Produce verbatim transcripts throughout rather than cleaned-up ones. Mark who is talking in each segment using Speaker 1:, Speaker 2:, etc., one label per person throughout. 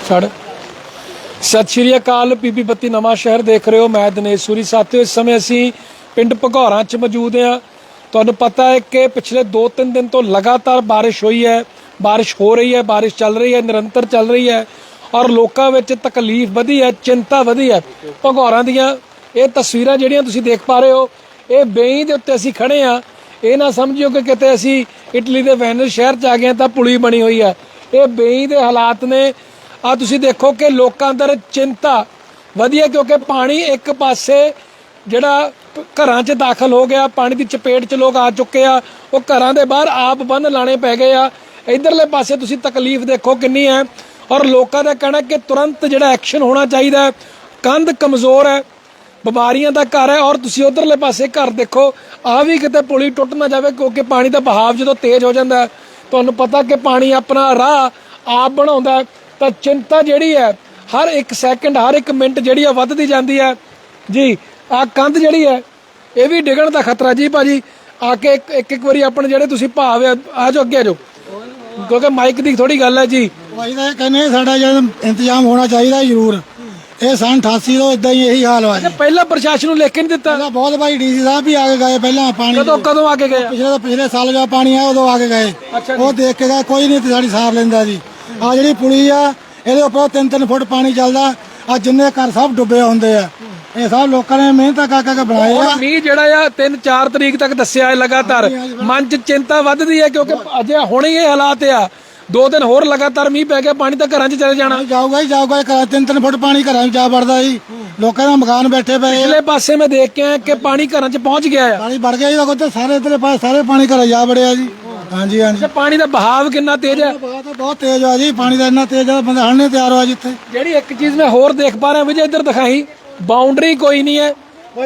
Speaker 1: ਛੱਡ सत श्री अकाल पीपी बत्ती नवा शहर देख रहे हो। मैं दिनेश सूरी। साथियों इस समय असी पिंड भगौरा च मौजूद हाँ। तुहानूं पता है कि पिछले दो तीन दिन तो लगातार बारिश हुई है, बारिश हो रही है, बारिश चल रही है, निरंतर चल रही है और लोगों में तकलीफ वधी है, चिंता वधी है। भगौरा दीयां ये तस्वीरां जिहड़ियां तुसीं देख पा रहे हो, ये बेई दे उत्ते असीं खड़े हाँ। ये ना समझिओ कि किते असीं इटली के वेनिस शहर च आ गए तां पुली बनी हुई है। ये बेई दे हालात ने। आ तुसीं देखो कि लोकां अंदर चिंता वधी है क्योंकि पानी एक पासे जिहड़ा घरां च दाखल हो गया, पानी की चपेट च लोग आ चुके आ, वो घरां दे बाहर आप बंन लाने पै गए आ। इधरले पासे तुसीं तकलीफ देखो किन्नी है और लोगों का कहना कि तुरंत जिहड़ा एक्शन होना चाहिए। कंध कमज़ोर है, बीमारियां का घर है और तुसीं उधरले पासे घर देखो, आ भी किते पुली टुट ना जाए क्योंकि पानी का बहाव जो तेज़ हो जाता है। तुहानूं पता कि पानी अपना राह आप बनाउंदा है तो चिंता जिहड़ी है हर एक सैकेंड हर एक मिनट जिहड़ी है वधदी जांदी है जी। आ कंध जिहड़ी है ये भी डिगण का खतरा जी। भाजी आके एक एक, एक बारी अपने जिहड़े तुसीं भाव आ जाओ अगे आ जाओ क्योंकि माइक की थोड़ी गल है जी।
Speaker 2: भाई तो कहने साडा जो इंतजाम होना चाहिए जरूर। ये सन अठासी तो इदा ही यही हाल हुआ।
Speaker 1: पहला प्रशासन लिख के नहीं दिता
Speaker 2: बहुत भाई डी सी साहब भी आके गए पहला पानी
Speaker 1: कदों कदों आके गए
Speaker 2: पिछले तो पिछले साल जो पानी आया उदों आके गए वो देख के गए कोई नहीं साड़ी सार लेंदा जी। आ जी पुली आ ये उपर तीन तीन फुट पानी चलता आ जिन्ने घर सब डुबे होंगे आ। ये सब लोगों ने मेहनत कर करके बनाए आ।
Speaker 1: मीह जिहड़ा तीन चार तरीक तक दस्सिया है लगातार मन च चिंता वधदी है क्योंकि अजे हुणे ये हालात आ दो दिन होर लगातार मीह पै गया पानी तो घर चले जाना
Speaker 2: जाऊगा ही जाऊगा। तीन तीन फुट पानी घर जा बढ़ता जी। लोगों का मकान बैठे पे
Speaker 1: पिछले पासे में देख के आया कि पानी घर च पहुंच गया है।
Speaker 2: पानी बढ़ गया जी सारे इधर पास सारे पानी घर जा बढ़िया जी। हाँ जी हाँ जी।
Speaker 1: पानी का बहाव कितना तेज है?
Speaker 2: बहुत तेज है जी। पानी का इतना तेज है बंदा हड़ने तैयार हुआ जिथे।
Speaker 1: जी एक चीज मैं होर देख पा रहा विजय इधर दिखाई बाउंड्री कोई नहीं है।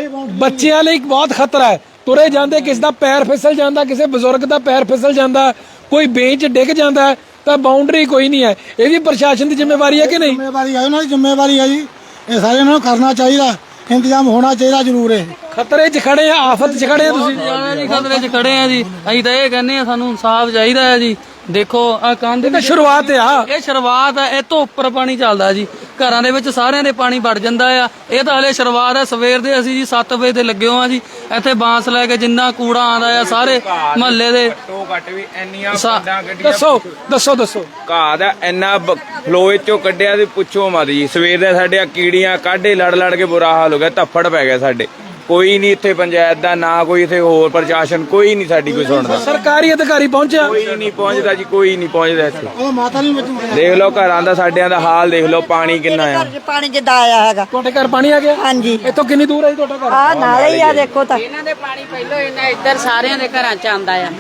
Speaker 1: बच्चों लिए बहुत खतरा है। तुरे जाते किसी का पैर फिसल जाता, किसी बजुर्ग का पैर फिसल जाता, कोई बेंच डिग जाता है तो बाउंड्री कोई नहीं है। ये भी प्रशासन की जिम्मेवारी है कि नहीं?
Speaker 2: जिम्मेवारी है उन्होंने जिम्मेवारी है जी। ये सारे उन्होंने करना चाहिए, इंतजाम होना चाहिए जरूर है।
Speaker 1: खतरे च खड़े हैं, आफत च खड़े हैं तुसीं?
Speaker 3: जी खतरे च खड़े हैं जी। ਅਸੀਂ ਤਾਂ ਇਹ ਕਹਿੰਦੇ ਆ ਸਾਨੂੰ ਇਨਸਾਫ ਚਾਹੀਦਾ ਹੈ ਜੀ। ਦੇਖੋ ਆ ਕੰਧ
Speaker 1: ਦੀ ਸ਼ੁਰੂਆਤ ਆ,
Speaker 3: ਇਹ ਸ਼ੁਰੂਆਤ ਹੈ। ਇਹ ਤੋਂ ਉੱਪਰ ਪਾਣੀ ਚੱਲਦਾ ਜੀ, ਘਰਾਂ ਦੇ ਵਿੱਚ ਸਾਰਿਆਂ ਦੇ ਪਾਣੀ ਵੜ ਜਾਂਦਾ ਆ। ਇਹ ਤਾਂ ਹਲੇ ਸ਼ੁਰੂਆਤ ਹੈ। ਸਵੇਰ ਦੇ ਅਸੀਂ ਜੀ ਸੱਤ ਵਜੇ ਤੇ ਲੱਗੇ ਹੋਏ ਆ ਜੀ। ਇੱਥੇ ਬਾਂਸ ਲੈ ਕੇ ਜਿੰਨਾ ਕੂੜਾ ਆਂਦਾ ਆ ਸਾਰੇ ਮਹੱਲੇ ਦੇ
Speaker 4: ਘੱਟੋ ਘੱਟ ਵੀ ਇੰਨੀਆਂ ਪਿੰਡਾਂ ਗੱਡੀਆਂ
Speaker 1: ਦੱਸੋ ਦੱਸੋ ਦੱਸੋ
Speaker 4: ਘਾਹ ਦਾ ਇੰਨਾ ਫਲੋਏ ਚੋਂ ਕੱਢਿਆ ਤੇ ਪੁੱਛੋ ਮਤ ਜੀ। ਸਵੇਰ ਦੇ ਸਾਡੇ ਆ ਕੀੜੀਆਂ ਕਾਢੇ ਲੜ ਲੜ ਕੇ ਬੁਰਾ ਹਾਲ ਹੋ ਗਿਆ। ਧੱਫੜ ਪੈ ਗਿਆ ਸਾਡੇ। ਕੋਈ ਨਹੀਂ ਇੱਥੇ ਪੰਚਾਇਤ ਦਾ ਨਾ ਕੋਈ ਇੱਥੇ ਹੋਰ ਪ੍ਰਸ਼ਾਸਨ ਕੋਈ ਨਹੀਂ ਸਾਡੀ ਕੋਈ ਸੁਣਦਾ।
Speaker 1: ਸਰਕਾਰੀ ਅਧਿਕਾਰੀ ਪਹੁੰਚਿਆ
Speaker 4: ਕੋਈ ਨਹੀਂ ਪਹੁੰਚਦਾ ਜੀ, ਕੋਈ ਨਹੀਂ ਪਹੁੰਚਦਾ ਇੱਥੇ।
Speaker 2: ਉਹ ਮਾਤਾ ਨਹੀਂ ਬਚੂ।
Speaker 4: ਦੇਖ ਲਓ ਘਰਾਂ ਦਾ ਸਾਡਿਆਂ ਦਾ ਹਾਲ ਦੇਖ ਲਓ। ਪਾਣੀ ਕਿੰਨਾ ਆ।
Speaker 5: ਪਾਣੀ ਜਿੱਦਾਂ ਆਇਆ ਹੈਗਾ
Speaker 1: ਤੁਹਾਡੇ ਘਰ ਪਾਣੀ ਆ ਗਿਆ?
Speaker 5: ਹਾਂਜੀ।
Speaker 1: ਇੱਥੋਂ ਕਿੰਨੀ ਦੂਰ ਹੈ ਜੀ ਤੁਹਾਡਾ ਘਰ?
Speaker 5: ਆ ਨਾਲ ਹੀ ਆ ਦੇਖੋ ਤਾਂ
Speaker 6: ਇਹਨਾਂ ਦੇ ਪਾਣੀ ਪਹਿਲਾਂ ਇਹਨਾਂ ਇੱਧਰ ਸਾਰਿਆਂ ਦੇ ਘਰਾਂ ਚ ਆਂਦਾ ਆ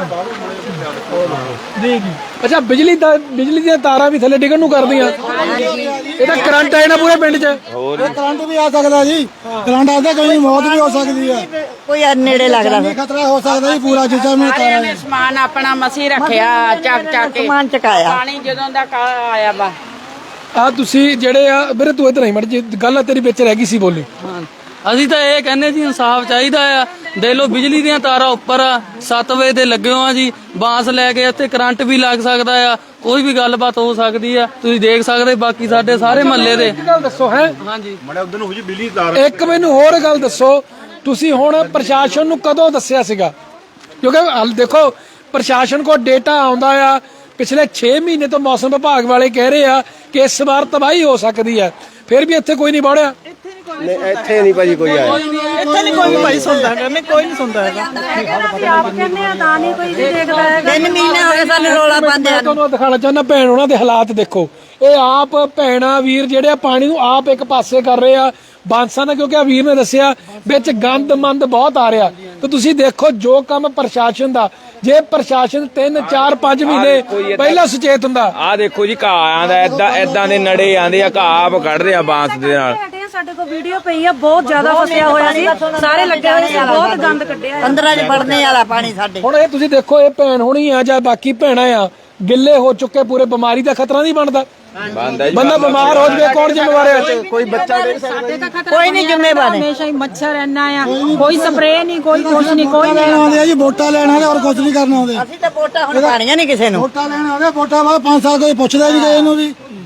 Speaker 1: ਜੀ ਜੀ। ਅੱਛਾ ਬਿਜਲੀ ਦਾ ਬਿਜਲੀ ਦੀਆਂ ਤਾਰਾਂ ਵੀ ਥੱਲੇ ਡਿੱਗਣ ਨੂੰ ਕਰਦੀਆਂ। ਇਹ ਤਾਂ ਕਰੰਟ ਆਏ ਨਾ ਪੂਰੇ ਪਿੰਡ 'ਚ।
Speaker 2: ਹੋਰ ਕਰੰਟ ਵੀ ਆ ਸਕਦਾ ਜੀ। ਕਰੰਟ ਆਦਾ ਕੋਈ ਮੌਤ ਵੀ ਹੋ ਸਕਦੀ ਹੈ।
Speaker 5: ਕੋਈ ਨੇੜੇ ਲੱਗਦਾ ਫਿਰ
Speaker 2: ਖਤਰਾ ਹੋ ਸਕਦਾ ਜੀ ਪੂਰਾ ਜਿੱਦਾਂ ਮੈਂ
Speaker 6: ਸਾਰਿਆਂ ਨੇ ਸਮਾਨ ਆਪਣਾ ਮਸੀਂ ਰੱਖਿਆ ਚੱਕ ਚੱਕ ਕੇ
Speaker 5: ਸਮਾਨ ਚਕਾਇਆ।
Speaker 6: ਪਾਣੀ ਜਦੋਂ ਦਾ ਆਇਆ ਵਾ
Speaker 1: ਆ ਤੁਸੀਂ ਜਿਹੜੇ ਆ ਮੇਰੇ ਤੂੰ ਇੱਧਰ ਨਹੀਂ ਮੜ ਜੀ ਗੱਲ ਤੇਰੀ ਵਿੱਚ ਰਹਿ ਗਈ ਸੀ ਬੋਲੀ।
Speaker 3: ਹਾਂ ਅਸੀਂ ਤਾਂ ਇਹ ਕਹਿੰਦੇ ਜੀ ਇਨਸਾਫ ਚਾਹੀਦਾ ਆ। ਦੇਖ ਲਓ ਬਿਜਲੀ ਦੀਆਂ ਤਾਰਾਂ ਉੱਪਰ ਆ, ਸੱਤ ਵਜੇ ਤੇ ਲੱਗੇ ਹੋ ਆ ਜੀ। ਬਾਂਸ ਲੈ ਕੇ ਇੱਥੇ ਕਰੰਟ ਵੀ ਲੱਗ ਸਕਦਾ ਆ, ਕੋਈ ਵੀ ਗੱਲਬਾਤ ਹੋ ਸਕਦੀ ਆ। ਤੁਸੀਂ ਦੇਖ ਸਕਦੇ ਬਾਕੀ ਸਾਡੇ ਸਾਰੇ ਮਹੱਲੇ ਦੇ।
Speaker 1: ਇੱਕ ਗੱਲ ਦੱਸੋ ਹੈ
Speaker 3: ਹਾਂਜੀ
Speaker 1: ਇੱਕ ਮੈਨੂੰ ਹੋਰ ਗੱਲ ਦੱਸੋ ਤੁਸੀਂ ਹੁਣ ਪ੍ਰਸ਼ਾਸਨ ਨੂੰ ਕਦੋਂ ਦੱਸਿਆ ਸੀਗਾ? ਕਿਉਂਕਿ ਹਲ ਦੇਖੋ ਪ੍ਰਸ਼ਾਸਨ ਕੋਲ ਡੇਟਾ ਆਉਂਦਾ ਆ ਪਿਛਲੇ ਛੇ ਮਹੀਨੇ ਤੋਂ ਮੌਸਮ ਵਿਭਾਗ ਵਾਲੇ ਕਹਿ ਰਹੇ ਆ ਕਿ ਇਸ ਵਾਰ ਤਬਾਹੀ ਹੋ ਸਕਦੀ ਹੈ, ਫਿਰ ਵੀ ਇੱਥੇ ਕੋਈ ਨਹੀਂ ਵੜਿਆ।
Speaker 7: ਇੱਥੇ ਨਹੀਂ ਭਾਜੀ ਕੋਈ ਆਇਆ।
Speaker 8: ਇੱਥੇ ਨਹੀਂ ਕੋਈ ਭਾਈ ਸੁਣਦਾ ਹੈਗਾ। ਨਹੀਂ ਕੋਈ ਨਹੀਂ ਸੁਣਦਾ ਹੈਗਾ।
Speaker 5: ਆਪ ਕਹਿੰਦੇ ਆ ਤਾਂ ਨਹੀਂ ਕੋਈ ਦੇਖਦਾ ਹੈਗਾ। ਤਿੰਨ ਮਹੀਨੇ ਹੋ ਗਏ ਸਾਨੂੰ ਰੋਲਾ ਪਾਉਂਦੇ ਆ।
Speaker 1: ਤੁਹਾਨੂੰ ਦਿਖਾਣਾ ਚਾਹੁੰਦਾ ਭੈਣ ਉਹਨਾਂ ਦੇ ਹਾਲਾਤ ਦੇਖੋ। ਇਹ ਆਪ ਭੈਣਾ ਵੀਰ ਜਿਹੜੇ ਆ ਪਾਣੀ ਨੂੰ ਆਪ ਇੱਕ ਪਾਸੇ ਕਰ ਰਹੇ ਆ ਬਾਂਸਾਂ ਦਾ ਕਿਉਂਕਿ ਆ ਵੀਰ ਨੇ ਦੱਸਿਆ ਵਿੱਚ ਗੰਦ ਮੰਦ ਬਹੁਤ ਆ ਰਿਹਾ। ਤੇ ਤੁਸੀਂ ਦੇਖੋ ਜੋ ਕੰਮ ਪ੍ਰਸ਼ਾਸਨ ਦਾ ਜੇ ਪ੍ਰਸ਼ਾਸਨ ਤਿੰਨ ਚਾਰ ਪੰਜ ਮਹੀਨੇ ਪਹਿਲਾਂ ਸੁਚੇਤ ਹੁੰਦਾ।
Speaker 4: ਆਹ ਦੇਖੋ ਜੀ ਘਾਹ ਆਂਦਾ ਏਦਾਂ ਏਦਾਂ ਦੇ ਨੜੇ ਆਂਦੇ ਆ। ਘਾਹ ਆਪ ਕੱਢਦੇ ਆ ਬਾਂਸ ਦੇ ਨਾਲ।
Speaker 9: ਸਾਡੇ ਕੋਲ ਵੀਡੀਓ ਪਈ ਆ ਬਹੁਤ ਜ਼ਿਆਦਾ ਫਸਿਆ ਹੋਇਆ ਸੀ। ਸਾਰੇ ਲੱਗੇ ਹੋਏ ਸੀ ਬਹੁਤ ਗੰਦ ਕੱਢਿਆ
Speaker 5: ਅੰਦਰਾਂ 'ਚ ਵੜਨੇ ਵਾਲਾ ਪਾਣੀ ਸਾਡੇ।
Speaker 1: ਹੁਣ ਇਹ ਤੁਸੀਂ ਦੇਖੋ ਇਹ ਭੈਣ ਹੋਣੀ ਆ ਜਾਂ ਬਾਕੀ ਭੈਣਾਂ ਆ ਗਿੱਲੇ ਹੋ ਚੁੱਕੇ ਪੂਰੇ। ਬਿਮਾਰੀ ਦਾ ਖਤਰਾ ਨਹੀਂ ਬਣਦਾ। ਬੰਦਾ ਬਿਮਾਰ ਹੋ ਜਾਵੇ ਕੌਣ ਜ਼ਿੰਮੇਵਾਰ ਹੈ? ਕੋਈ ਬੱਚਾ
Speaker 5: ਕੋਈ ਨਹੀਂ ਜ਼ਿੰਮੇਵਾਰ।
Speaker 9: ਹਮੇਸ਼ਾ ਹੀ ਮੱਛਰ ਇੰਨਾ ਆ, ਕੋਈ ਸਪਰੇਅ ਨਹੀਂ, ਕੋਈ ਕੁਛ ਨਹੀਂ, ਕੋਈ
Speaker 2: ਲੈਣ ਆਉਂਦੇ ਆ ਜੀ। ਵੋਟਾਂ ਲੈਣ ਆਉਂਦੇ ਔਰ ਕੁਝ ਨਹੀਂ ਕਰਨ ਆਉਂਦੇ।
Speaker 5: ਅਸੀਂ ਤਾਂ ਵੋਟਾਂ ਹੁਣ ਪਾਣੀਆਂ ਨਹੀਂ ਕਿਸੇ ਨੂੰ।
Speaker 2: ਵੋਟਾਂ ਲੈਣ ਆਉਂਦੇ ਵੋਟਾਂ ਬਾਅਦ ਪੰਜ ਸਾਲ ਕੋਈ ਪੁੱਛਦਾ ਨਹੀਂ ਕਿਸੇ ਨੂੰ ਵੀ।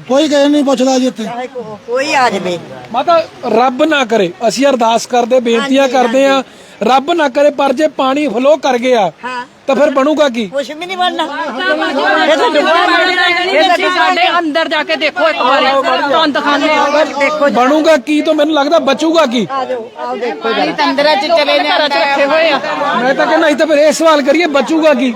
Speaker 2: ਕੋਈ ਕਿਸੇ ਨਹੀਂ ਪੁੱਛਦਾ ਜੀ ਇੱਥੇ।
Speaker 5: ਕੋਈ ਆ ਜਾਵੇ
Speaker 1: ਮਾਤਾ ਰੱਬ ਨਾ ਕਰੇ, ਅਸੀਂ ਅਰਦਾਸ ਕਰਦੇ ਬੇਨਤੀਆਂ ਕਰਦੇ ਆ, ਰੱਬ ਨਾ ਕਰੇ, ਪਰ ਜੇ ਪਾਣੀ ਫਲੋ ਕਰ ਗਿਆ ਤਾਂ ਫਿਰ ਬਣੂਗਾ ਕੀ?
Speaker 5: ਕੁਛ ਵੀ ਨਹੀਂ ਬਣਨਾ।
Speaker 9: ਸਾਡੇ ਅੰਦਰ ਜਾ ਕੇ ਦੇਖੋ ਇੱਕ ਵਾਰੀ, ਤੁਹਾਨੂੰ ਦਿਖਾਣੇ ਆ।
Speaker 5: ਦੇਖੋ
Speaker 1: ਬਣੂਗਾ ਕੀ ਤਾਂ ਮੈਨੂੰ ਲੱਗਦਾ ਬਚੂਗਾ ਕੀ?
Speaker 6: ਪਾਣੀ ਤੰਦਰਾ ਚ ਚਲੇ ਜਾਂਦਾ
Speaker 9: ਰੱਖੇ ਹੋਏ ਆ।
Speaker 1: ਮੈਂ ਤਾਂ ਕਹਿੰਦਾ ਤਾਂ ਫਿਰ ਇਹ ਸਵਾਲ ਕਰੀਏ ਬਚੂਗਾ ਕੀ?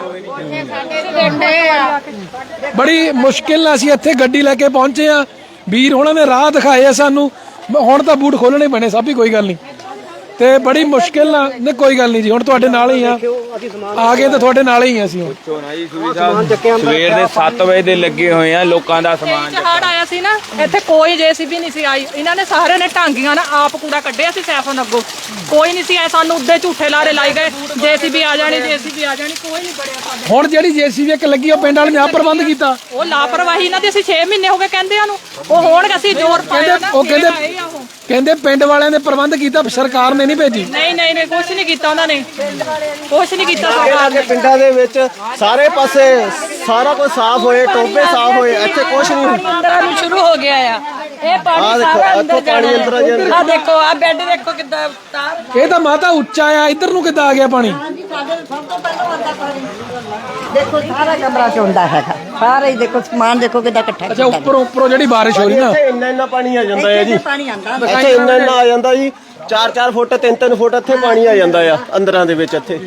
Speaker 1: ਬੜੀ ਮੁਸ਼ਕਿਲ ਨਾਲ ਅਸੀਂ ਇੱਥੇ ਗੱਡੀ ਲੈ ਕੇ ਪਹੁੰਚੇ ਆ, ਵੀਰ ਹੁਣਾਂ ਨੇ ਰਾਹ ਦਿਖਾਏ ਆ ਸਾਨੂੰ, ਹੁਣ ਤਾਂ ਬੂਟ ਖੋਲਣੇ ਪੈਣੇ ਸਭ ਹੀ, ਕੋਈ ਗੱਲ ਨਹੀਂ, ਤੇ ਬੜੀ ਮੁਸ਼ਕਿਲ ਨਾਲ ਨਹੀਂ, ਕੋਈ ਗੱਲ ਨਹੀਂ ਜੀ, ਹੁਣ ਤੁਹਾਡੇ ਨਾਲ ਹੀ ਆ, ਆ ਗਏ ਤਾਂ ਤੁਹਾਡੇ ਨਾਲ ਹੀ ਆ ਅਸੀਂ ਹੁਣ।
Speaker 4: ਪੁੱਛੋ ਨਾ ਜੀ ਸੂਰੀ ਸਾਹਿਬ, ਸਵੇਰ ਦੇ ਸੱਤ ਵਜੇ ਦੇ ਲੱਗੇ ਹੋਏ ਆ, ਲੋਕਾਂ ਦਾ ਸਮਾਨ
Speaker 9: ਹੜ ਆਇਆ ਸੀ ਨਾ, ਇੱਥੇ ਕੋਈ ਜੇਸੀਬੀ ਨਹੀਂ ਸੀ ਆਈ, ਇਹਨਾਂ ਨੇ ਸਾਰਿਆਂ ਨੇ ਢਾਂਗੀਆਂ ਨਾਲ ਆਪ ਕੂੜਾ ਕੱਢਿਆ ਸੀ ਸੈਫਨ ਅੱਗੋਂ, ਕੋਈ ਨਹੀਂ ਸੀ ਆਇਆ, ਸਾਨੂੰ ਉੱਦੇ ਝੂਠੇ ਲਾਰੇ ਲਾਈ ਗਏ, ਜੇਸੀਬੀ ਆ ਜਾਣੀ, ਜੇਸੀਬੀ ਆ ਜਾਣੀ, ਕੋਈ ਨਹੀਂ ਬੜਿਆ ਸਾਡੇ।
Speaker 1: ਹੁਣ ਜਿਹੜੀ ਜੇਸੀਬੀ ਇੱਕ ਲੱਗੀ ਉਹ ਪਿੰਡ ਵਾਲੇ ਨੇ ਆਪ ਪ੍ਰਬੰਧ ਕੀਤਾ,
Speaker 9: ਉਹ ਲਾਪਰਵਾਹੀ ਇਹਨਾਂ ਦੀ, ਅਸੀਂ ਛੇ ਮਹੀਨੇ ਹੋ ਗਏ ਕਹਿੰਦਿਆਂ ਨੂੰ, ਉਹ ਹੋਣ ਅਸੀਂ ਜ਼ੋਰ ਪਾਇਆ ਨਾ,
Speaker 1: ਉਹ ਕਹਿੰਦੇ
Speaker 9: ਆਏ ਆ ਉਹ।
Speaker 1: ਕਹਿੰਦੇ ਪਿੰਡ ਵਾਲਿਆਂ ਨੇ ਪ੍ਰਬੰਧ ਕੀਤਾ, ਸਰਕਾਰ ਨੇ ਨਹੀਂ ਭੇਜੀ।
Speaker 9: ਨਹੀਂ ਨਹੀਂ ਨਹੀਂ ਕੁਛ ਨਹੀਂ ਕੀਤਾ ਉਹਨਾਂ ਨੇ, ਕੁਛ ਨਹੀਂ ਕੀਤਾ ਸਰਕਾਰ ਨੇ।
Speaker 7: ਪਿੰਡਾਂ ਦੇ ਵਿੱਚ ਸਾਰੇ ਪਾਸੇ ਸਾਰਾ ਕੁਝ ਸਾਫ਼ ਹੋਏ, ਟੋਬੇ ਸਾਫ਼ ਹੋਏ, ਇੱਥੇ ਕੁਝ ਨਹੀਂ।
Speaker 9: ਅੰਦਰਾਂ ਨੂੰ ਸ਼ੁਰੂ ਹੋ ਗਿਆ ਆ, ਇਹ ਪਾਣੀ ਸਾਰਾ ਅੰਦਰ ਜਾਣਾ। ਆ ਦੇਖੋ ਆ ਬੈੱਡ ਦੇਖੋ ਕਿੱਦਾਂ ਤਾਰ।
Speaker 1: ਇਹ ਤਾਂ ਮਾਤਾ ਉੱਚਾ ਆ, ਇੱਧਰ ਨੂੰ ਕਿੱਦਾਂ ਆ ਗਿਆ ਪਾਣੀ?
Speaker 5: ਦੇਖੋ ਸਾਰਾ ਕਮਰਾ ਚੋਂਦਾ ਹੈਗਾ, ਸਾਰਾ ਹੀ ਦੇਖੋ ਸਮਾਨ ਦੇਖੋ ਕਿੱਦਾਂ ਇਕੱਠਾ
Speaker 1: ਅੱਛਾ ਉੱਪਰੋਂ ਉੱਪਰੋਂ ਜਿਹੜੀ ਬਾਰਿਸ਼ ਹੋ ਰਹੀ ਨਾ,
Speaker 7: ਇੱਥੇ ਇੰਨਾ ਇੰਨਾ ਪਾਣੀ ਆ ਜਾਂਦਾ ਹੈ ਜੀ,
Speaker 5: ਪਾਣੀ ਆਂਦਾ
Speaker 7: ਇੱਥੇ ਇੰਨਾ ਇੰਨਾ ਆ ਜਾਂਦਾ ਜੀ, ਚਾਰ ਚਾਰ ਫੁੱਟ ਤਿੰਨ ਤਿੰਨ ਫੁੱਟ ਇੱਥੇ ਪਾਣੀ ਆ ਜਾਂਦਾ ਆ ਅੰਦਰਾਂ ਦੇ ਵਿੱਚ। ਇੱਥੇ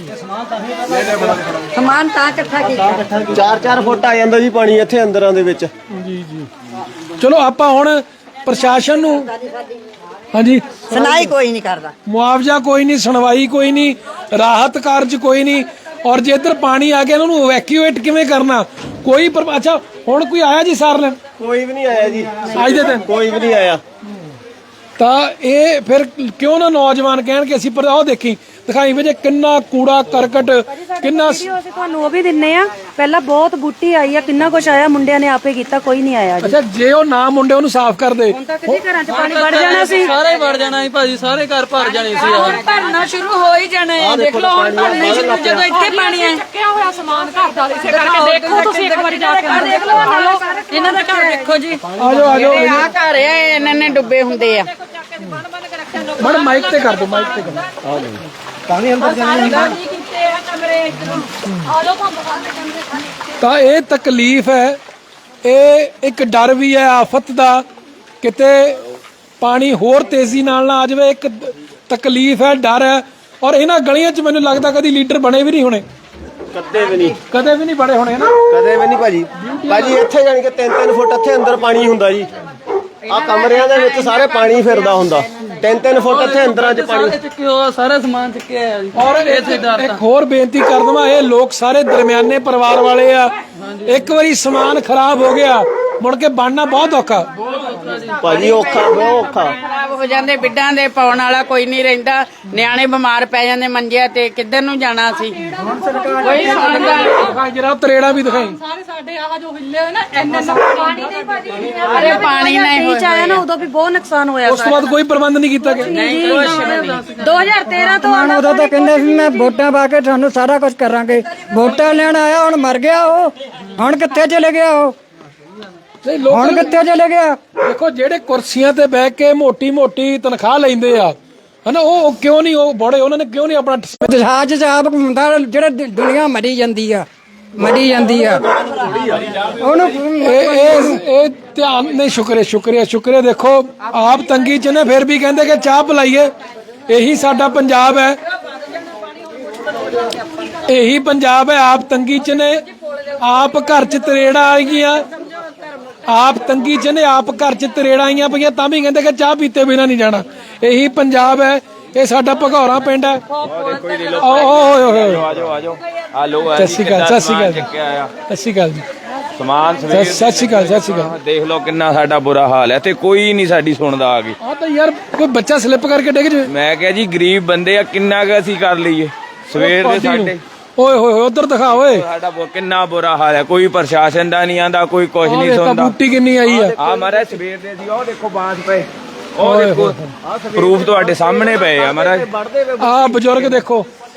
Speaker 5: ਸਮਾਨ ਤਾਂ ਇਕੱਠਾ ਕੀਤਾ,
Speaker 7: ਚਾਰ ਚਾਰ ਫੁੱਟ ਆ ਜਾਂਦਾ ਜੀ ਪਾਣੀ ਇੱਥੇ ਅੰਦਰਾਂ ਦੇ ਵਿੱਚ।
Speaker 1: ਜੀ ਜੀ ਚਲੋ ਆਪਾਂ ਹੁਣ ਪ੍ਰਸ਼ਾਸਨ ਨੂੰ, ਹਾਂਜੀ
Speaker 5: ਸੁਣਾਈ ਕੋਈ ਨਹੀਂ ਕਰਦਾ,
Speaker 1: ਮੁਆਵਜ਼ਾ ਕੋਈ ਨਹੀਂ, ਸੁਣਵਾਈ ਕੋਈ ਨਹੀਂ, ਰਾਹਤ ਕਾਰਜ ਕੋਈ ਨਹੀਂ, ਔਰ ਜੇ ਇੱਧਰ ਪਾਣੀ ਆ ਗਿਆ ਇਹਨਾਂ ਨੂੰ ਇਵੈਕਿਊਏਟ ਕਿਵੇਂ ਕਰਨਾ? ਕੋਈ ਪਰ ਅੱਛਾ ਹੁਣ ਕੋਈ ਆਇਆ ਜੀ ਸਾਰ ਲੈਣ?
Speaker 7: ਕੋਈ ਵੀ ਨਹੀਂ ਆਇਆ ਜੀ
Speaker 1: ਅੱਜ ਦੇ ਦਿਨ
Speaker 7: ਕੋਈ ਵੀ ਨਹੀਂ ਆਇਆ।
Speaker 1: ਤਾਂ ਇਹ ਫਿਰ ਕਿਉਂ ਨਾ ਨੌਜਵਾਨ ਕਹਿਣ ਕਿ ਅਸੀਂ ਪਰ ਆਹ ਦੇਖੀ ਦਿਖਾਈ ਵਜੇ ਕਿੰਨਾ ਕੂੜਾ ਕਰਕਟ, ਕਿੰਨਾ
Speaker 9: ਅਸੀਂ ਤੁਹਾਨੂੰ ਉਹ ਵੀ ਦਿੰਨੇ ਆ, ਪਹਿਲਾਂ ਬਹੁਤ ਬੂਟੀ ਆਈ ਆ, ਕਿੰਨਾ ਕੁਛ ਆਇਆ, ਮੁੰਡਿਆਂ ਨੇ ਆਪੇ ਕੀਤਾ, ਕੋਈ ਨਹੀਂ ਆਇਆ।
Speaker 1: ਅੱਛਾ ਜੇ ਉਹ ਨਾ ਮੁੰਡੇ ਉਹਨੂੰ ਸਾਫ਼ ਕਰਦੇ
Speaker 9: ਹੁਣ ਤੱਕ ਜੀ ਘਰਾਂ 'ਚ ਪਾਣੀ ਵੜ ਜਾਣਾ ਸੀ,
Speaker 3: ਸਾਰੇ ਵੜ ਜਾਣਾ ਸੀ ਭਾਜੀ, ਸਾਰੇ ਘਰ ਭਰ ਜਾਣੇ ਸੀ।
Speaker 9: ਹੁਣ ਭਰਨਾ ਸ਼ੁਰੂ ਹੋ ਹੀ ਜਾਣਾ ਹੈ। ਦੇਖ ਲਓ ਹੁਣ ਭਰਨਾ ਸ਼ੁਰੂ, ਜਦੋਂ ਇੱਥੇ ਪਾਣੀ ਹੈ ਚੱਕਿਆ ਹੋਇਆ ਸਮਾਨ ਘਰ ਦਾ, ਇਸੇ ਕਰਕੇ ਦੇਖੋ ਤੁਸੀਂ ਇੱਕ ਵਾਰੀ ਜਾ ਕੇ ਦੇਖ ਲਓ ਇਹਨਾਂ ਦਾ ਘਰ ਦੇਖੋ ਜੀ।
Speaker 1: ਆਜੋ ਆਜੋ
Speaker 6: ਆ ਘਰ ਆ ਇਹਨਾਂ ਨੇ ਡੁੱਬੇ ਹੁੰਦੇ ਆ।
Speaker 1: ਬੜ ਮਾਈਕ ਤੇ ਕਰ ਦੋ, ਮਾਈਕ ਤੇ ਕਰ ਦੋ। ਆ ਜੀ ਪਾਣੀ ਅੰਦਰ ਜਾਣਾ ਤਾਂ ਇਹ ਤਕਲੀਫ ਹੈ, ਇਹ ਇੱਕ ਡਰ ਵੀ ਹੈ ਆਫਤ ਦਾ, ਕਿਤੇ ਪਾਣੀ ਹੋਰ ਤੇਜ਼ੀ ਨਾਲ ਨਾ ਆ ਜਾਵੇ, ਇੱਕ ਤਕਲੀਫ ਹੈ, ਡਰ ਹੈ। ਔਰ ਇਹਨਾਂ ਗਲੀਆਂ 'ਚ ਮੈਨੂੰ ਲੱਗਦਾ ਕਦੀ ਲੀਡਰ ਬਣੇ ਵੀ ਨਹੀਂ ਹੋਣੇ,
Speaker 7: ਕਦੇ ਵੀ ਨਹੀਂ,
Speaker 1: ਕਦੇ ਵੀ ਨਹੀਂ ਬਣੇ ਹੋਣੇ ਨਾ,
Speaker 7: ਕਦੇ ਵੀ ਨਹੀਂ ਭਾਜੀ। ਭਾਜੀ ਇੱਥੇ ਜਾਣੀ ਕਿ ਤਿੰਨ ਤਿੰਨ ਫੁੱਟ ਇੱਥੇ ਅੰਦਰ ਪਾਣੀ ਹੁੰਦਾ ਜੀ, ਆ ਕਮਰਿਆਂ ਦੇ ਵਿੱਚ ਸਾਰੇ ਪਾਣੀ ਫਿਰਦਾ ਹੁੰਦਾ, ਤਿੰਨ ਤਿੰਨ ਫੁੱਟ ਇੱਥੇ ਅੰਦਰਾਂ 'ਚ ਪਾਣੀ।
Speaker 3: ਚੱਕਿਓ ਸਾਰਾ ਸਮਾਨ ਚੱਕਿਆ ਆ ਜੀ।
Speaker 1: ਔਰ ਇੱਕ ਹੋਰ ਬੇਨਤੀ ਕਰ ਦਵਾਂ, ਇਹ ਲੋਕ ਸਾਰੇ ਦਰਮਿਆਨੇ ਪਰਿਵਾਰ ਵਾਲੇ ਆ, ਇੱਕ ਵਾਰੀ ਸਮਾਨ ਖਰਾਬ ਹੋ ਗਿਆ ਮੁੜ ਕੇ ਬਣਨਾ ਬਹੁਤ ਔਖਾ
Speaker 7: ਭਾਜੀ, ਔਖਾ ਬਹੁਤ ਔਖਾ।
Speaker 6: ਖਰਾਬ ਹੋ ਜਾਂਦੇ, ਬਿੱਡਾਂ ਦੇ ਪਾਉਣ ਵਾਲਾ ਕੋਈ ਨਹੀਂ ਰਹਿੰਦਾ, ਨਿਆਣੇ ਬਿਮਾਰ ਪੈ ਜਾਂਦੇ ਮੰਜਿਆਂ ਤੇ, ਕਿੱਧਰ ਨੂੰ ਜਾਣਾ ਸੀ? ਕੋਈ ਸੁਣਦਾ
Speaker 1: ਦਿਖਾਈ ਜਰਾ ਤਰੇੜਾ ਵੀ ਦਿਖਾਈ।
Speaker 9: ਸਾਰੇ ਸਾਡੇ ਆਹ ਜੋ ਹਿੱਲੇ ਹੋਏ ਨਾ ਇੰਨੇ ਪਾਣੀ ਨਹੀਂ ਭਾਜੀ,
Speaker 6: ਅਰੇ ਪਾਣੀ ਨਹੀਂ
Speaker 9: ਤੀਹ 'ਚ ਆਇਆ ਨਾ, ਉਦੋਂ ਵੀ ਬਹੁਤ ਨੁਕਸਾਨ ਹੋਇਆ।
Speaker 1: ਉਸ ਤੋਂ ਬਾਅਦ ਕੋਈ ਪ੍ਰਬੰਧ ਨਹੀਂ ਕੀਤਾ ਗਿਆ।
Speaker 9: ਦੋ ਹਜ਼ਾਰ ਤੇਰਾਂ ਤੋਂ
Speaker 10: ਹੁਣ ਉਦੋਂ ਤਾਂ ਕਹਿੰਦੇ ਸੀ ਮੈਂ ਵੋਟਾਂ ਪਾ ਕੇ ਤੁਹਾਨੂੰ ਸਾਰਾ ਕੁਝ ਕਰਾਂਗੇ, ਵੋਟਾਂ ਲੈਣ ਆਇਆ ਹੁਣ ਮਰ ਗਿਆ ਉਹ, ਹੁਣ ਕਿੱਥੇ ਚਲੇ ਗਿਆ ਉਹ,
Speaker 1: ਨਹੀਂ ਲੋਕ
Speaker 10: ਹੁਣ ਕਿੱਥੇ ਚਲੇ ਗਿਆ?
Speaker 1: ਦੇਖੋ ਜਿਹੜੇ ਕੁਰਸੀਆਂ ਤੇ ਬਹਿ ਕੇ ਮੋਟੀ ਮੋਟੀ ਤਨਖਾਹ ਲੈਂਦੇ ਆ ਹਨਾ, ਉਹ ਕਿਉਂ ਨਹੀਂ ਉਹ ਬੜੇ, ਉਹਨਾਂ ਨੇ ਕਿਉਂ ਨਹੀਂ ਆਪਣਾ
Speaker 10: ਜਹਾਜ਼ ਚ ਆਪ ਘੁੰਮਦਾ, ਜਿਹੜੇ ਦੁ- ਦੁਨੀਆ ਮਰੀ ਜਾਂਦੀ ਆ, ਮਰੀ ਜਾਂਦੀ ਆ ਉਹਨੂੰ।
Speaker 1: ਇਹ ਇਹ ਇਹ ਧਿਆਨ ਨਹੀਂ, ਸ਼ੁਕਰੀਆ ਸ਼ੁਕਰੀਆ ਸ਼ੁਕਰੀਆ। ਦੇਖੋ ਆਪ ਤੰਗੀ ਚ ਨੇ, ਫਿਰ ਵੀ ਕਹਿੰਦੇ ਕਿ ਚਾਹ ਪਿਲਾਈਏ। ਇਹੀ ਸਾਡਾ ਪੰਜਾਬ ਹੈ, ਇਹੀ ਪੰਜਾਬ ਹੈ। ਆਪ ਤੰਗੀ ਚ ਨੇ, ਆਪ ਘਰ ਚ ਤਰੇੜਾ ਆ ਗਈਆਂ, ਆਪ ਤੰਗੀ ਚ ਨੇ, ਆਪ ਘਰ ਚ ਤਰੇੜਾ ਆਈਆਂ ਪਈਆਂ, ਤਾਂ ਵੀ ਕਹਿੰਦੇ ਕਿ ਚਾਹ ਪੀਤੇ ਬਿਨਾ ਨਹੀਂ ਜਾਣਾ। ਇਹੀ ਪੰਜਾਬ ਹੈ, ਇਹ ਸਾਡਾ ਭਗੌਰਾ ਪਿੰਡ ਹੈ। ਓਏ
Speaker 4: ਆਜੋ ਆਜੋ ਆ ਲੋ
Speaker 1: ਸਤਿ ਸ਼੍ਰੀ ਅਕਾਲ, ਸਤਿ ਸ਼੍ਰੀ ਅਕਾਲ,
Speaker 4: ਚੱਕਿਆ ਆ
Speaker 1: ਸਤਿ ਸ਼੍ਰੀ ਅਕਾਲ ਜੀ,
Speaker 4: ਸਮਾਨ ਸਵੇਰ।
Speaker 1: ਸਤਿ ਸ਼੍ਰੀ ਅਕਾਲ, ਸਤਿ ਸ਼੍ਰੀ ਅਕਾਲ।
Speaker 4: ਦੇਖ ਲਓ ਕਿੰਨਾ ਸਾਡਾ ਬੁਰਾ ਹਾਲ ਹੈ ਤੇ ਕੋਈ ਨਹੀਂ ਸਾਡੀ ਸੁਣਦਾ ਆ ਕੇ।
Speaker 1: ਆ ਤਾਂ ਯਾਰ ਕੋਈ ਬੱਚਾ ਸਲਿੱਪ ਕਰਕੇ ਡਿੱਗ ਜਾਵੇ।
Speaker 4: ਮੈਂ ਕਿਹਾ ਜੀ ਗਰੀਬ ਬੰਦੇ ਆ, ਕਿੰਨਾ ਕੁ ਅਸੀਂ ਕਰ ਲਈਏ ਸਵੇਰ ਦੇ ਸਾਡੇ।
Speaker 1: ਓਏ ਹੋਏ ਹੋਏ ਉਧਰ ਦਿਖਾ ਓਏ,
Speaker 4: ਸਾਡਾ ਬਹੁਤ ਕਿੰਨਾ ਬੁਰਾ ਹਾਲ ਹੈ, ਕੋਈ ਪ੍ਰਸ਼ਾਸਨ ਦਾ ਨਹੀਂ ਆਂਦਾ, ਕੋਈ ਕੁਝ ਨਹੀਂ
Speaker 1: ਆਹ
Speaker 4: ਸੁਣਦਾ।
Speaker 1: ਬੂਟੀ ਕਿੰਨੀ ਆਈ ਆ,
Speaker 4: ਆ ਮਾਰਾ ਸਵੇਰ ਦੇ ਸੀ, ਉਹ ਦੇਖੋ ਬਾਂਸ ਪਏ, ਉਹ ਦੇਖੋ ਪ੍ਰੂਫ ਤੁਹਾਡੇ ਸਾਹਮਣੇ ਪਏ ਆ ਮਹਾਰਾਜ।
Speaker 1: ਆ ਬਜ਼ੁਰਗ ਦੇਖੋ,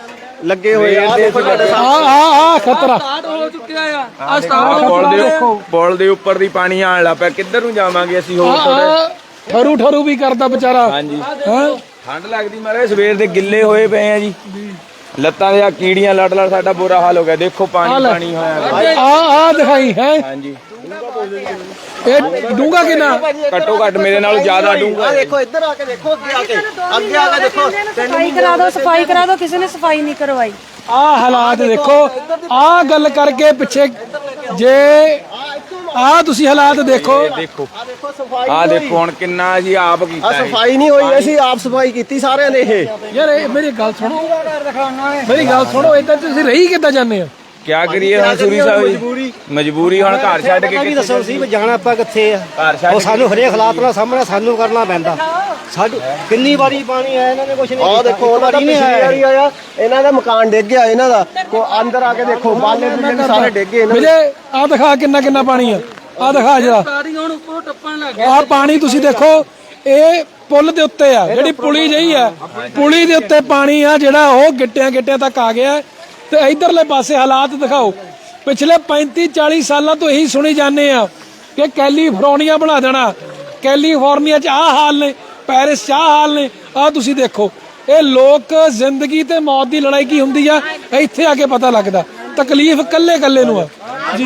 Speaker 7: ਲੱਗੇ ਹੋਏ ਆ। ਆਹ ਦੇਖੋ ਤੁਹਾਡੇ
Speaker 1: ਆ ਆ ਆ ਖਤਰਾ
Speaker 3: ਸਟਾਰਟ ਹੋ ਚੁੱਕਿਆ ਆ ਆ
Speaker 4: ਆਹ
Speaker 3: ਸਟਾਰਟ
Speaker 4: ਪੁਲ ਦੇ ਪੁਲ ਦੇ ਉੱਪਰ ਦੀ ਪਾਣੀ ਆਣ ਲੱਗ ਪਿਆ, ਕਿੱਧਰ ਨੂੰ ਜਾਵਾਂਗੇ ਅਸੀਂ ਹੋਰ ਥੋੜੇ।
Speaker 1: ਆ ਠਰੂ ਠਰੂ ਵੀ ਕਰਦਾ ਵਿਚਾਰਾ।
Speaker 4: ਹਾਂਜੀ
Speaker 1: ਹਾਂ
Speaker 4: ਠੰਡ ਲੱਗਦੀ ਮਾਰੇ, ਸਵੇਰ ਦੇ ਗਿੱਲੇ ਹੋਏ ਪਏ ਆ ਜੀ, ਲੱਤਾਂ ਦੇ ਆ ਕੀੜੀਆਂ ਲੜ ਲੜ ਸਾਡਾ ਬੁਰਾ ਹਾਲ ਹੋ ਗਿਆ। ਦੇਖੋ ਪਾਣੀ ਪਾਣੀ ਹੋਇਆ।
Speaker 1: ਆ ਆ ਦਿਖਾਈ ਹੈ
Speaker 4: ਹਾਂਜੀ
Speaker 1: ਇਹ ਡੂੰਗਾ ਕਿੰਨਾ?
Speaker 4: ਘੱਟੋ ਘੱਟ ਮੇਰੇ ਨਾਲੋਂ ਜ਼ਿਆਦਾ ਡੂੰਘਾ
Speaker 7: ਆਹ ਦੇਖੋ ਇੱਧਰ ਆ ਕੇ ਦੇਖੋ, ਅੱਗੇ ਆ ਕੇ ਅੱਗੇ ਆ ਕੇ ਦੇਖੋ।
Speaker 5: ਸਫਾਈ ਕਰਾ ਦਿਓ, ਸਫਾਈ ਕਰਾ ਦਿਓ, ਕਿਸੇ ਨੇ ਸਫਾਈ ਨਹੀਂ ਕਰਵਾਈ।
Speaker 1: ਆ ਹਾਲਾਤ ਦੇਖੋ। ਆ ਗੱਲ ਕਰਕੇ ਪਿੱਛੇ ਜੇ ਆ ਤੁਸੀਂ ਹਾਲਾਤ ਦੇਖੋ।
Speaker 4: ਦੇਖੋ ਆਹ ਦੇਖੋ ਹੁਣ ਕਿੰਨਾ ਜੀ ਆਪ
Speaker 7: ਆ
Speaker 4: ਕੀਤਾ ਹੈ।
Speaker 7: ਸਫਾਈ ਨਹੀਂ ਹੋਈ, ਅਸੀਂ ਆਪ ਸਫਾਈ ਕੀਤੀ ਸਾਰਿਆਂ ਨੇ। ਇਹ
Speaker 1: ਯਾਰ ਇਹ ਮੇਰੀ ਗੱਲ ਸੁਣੋ, ਮੇਰੀ ਗੱਲ ਸੁਣੋ, ਏਦਾਂ ਤੁਸੀਂ ਰਹੀ ਕਿੱਦਾਂ ਜਾਂਦੇ ਹੋ?
Speaker 4: ਕਿਆ ਕਰੀਏ ਹੁਣ ਸੂਰੀ ਸਾਹਿਬ ਜੀ, ਮਜਬੂਰੀ ਹੁਣ ਘਰ ਛੱਡ ਕੇ ਕਿੱਥੇ
Speaker 2: ਦੱਸੋ ਸੀ ਵੀ ਜਾਣਾ ਆਪਾਂ ਕਿੱਥੇ ਆ?
Speaker 4: ਘਰ ਛੱਡ
Speaker 2: ਉਹ ਸਾਨੂੰ ਹਰੇਕ ਹਾਲਾਤ ਨਾਲ ਸਾਹਮਣਾ ਸਾਨੂੰ ਕਰਨਾ ਪੈਂਦਾ। ਸਾਡੀ ਕਿੰਨੀ ਵਾਰੀ ਪਾਣੀ ਆਇਆ, ਇਹਨਾਂ ਨੇ ਕੁਝ ਨਹੀਂ
Speaker 7: ਆਹ ਦੇਖੋ ਉਹਨਾਂ ਦਾ ਪਿਛਲੀ ਵਾਰੀ ਆਇਆ, ਇਹਨਾਂ ਦਾ ਮਕਾਨ ਡਿੱਗ ਗਿਆ ਇਹਨਾਂ ਦਾ। ਕੋ ਅੰਦਰ ਆ ਕੇ ਦੇਖੋ, ਬਾਲੇ ਬੁੱਲੇ ਸਾਰੇ ਡਿੱਗ ਗਏ ਇਹਨਾਂ ਦੇ।
Speaker 1: ਵੀਰੇ ਆ ਦਿਖਾ ਕਿੰਨਾ ਕਿੰਨਾ ਪਾਣੀ ਆ, ਆ ਦਿਖਾ ਜਰਾ।
Speaker 3: ਸਾਰੀ ਹੁਣ ਉੱਪਰੋਂ ਟੱਪਣ ਲੱਗ
Speaker 1: ਆ ਪਾਣੀ ਤੁਸੀਂ ਦੇਖੋ, ਇਹ ਪੁਲ ਦੇ ਉੱਤੇ ਆ, ਜਿਹੜੀ ਪੁਲੀ ਜਈ ਆ, ਪੁਲੀ ਦੇ ਉੱਤੇ ਪਾਣੀ ਆ ਜਿਹੜਾ ਉਹ ਗਿੱਟਿਆਂ ਗਿੱਟਿਆਂ ਤੱਕ ਆ ਗਿਆ। ਤੇ ਇਧਰਲੇ ਪਾਸੇ ਹਾਲਾਤ ਦਿਖਾਓ। ਪਿਛਲੇ ਪੈਂਤੀ ਚਾਲੀ ਸਾਲਾਂ ਤੋਂ ਇਹੀ ਸੁਣੀ ਜਾਂਦੇ ਆ ਕਿ ਕੈਲੀਫੋਰਨੀਆ ਬਣਾ ਦੇਣਾ, ਕੈਲੀਫੋਰਨੀਆ 'ਚ ਆਹ ਹਾਲ ਨੇ, ਪੈਰਿਸ 'ਚ ਆਹ ਹਾਲ ਨੇ। ਆਹ ਤੁਸੀਂ ਦੇਖੋ, ਇਹ ਲੋਕ ਜ਼ਿੰਦਗੀ ਤੇ ਮੌਤ ਦੀ ਲੜਾਈ ਕੀ ਹੁੰਦੀ ਆ ਇੱਥੇ ਆ ਕੇ ਪਤਾ ਲੱਗਦਾ। ਤਕਲੀਫ ਕੱਲੇ ਕੱਲੇ ਨੂੰ ਆ ਜੀ।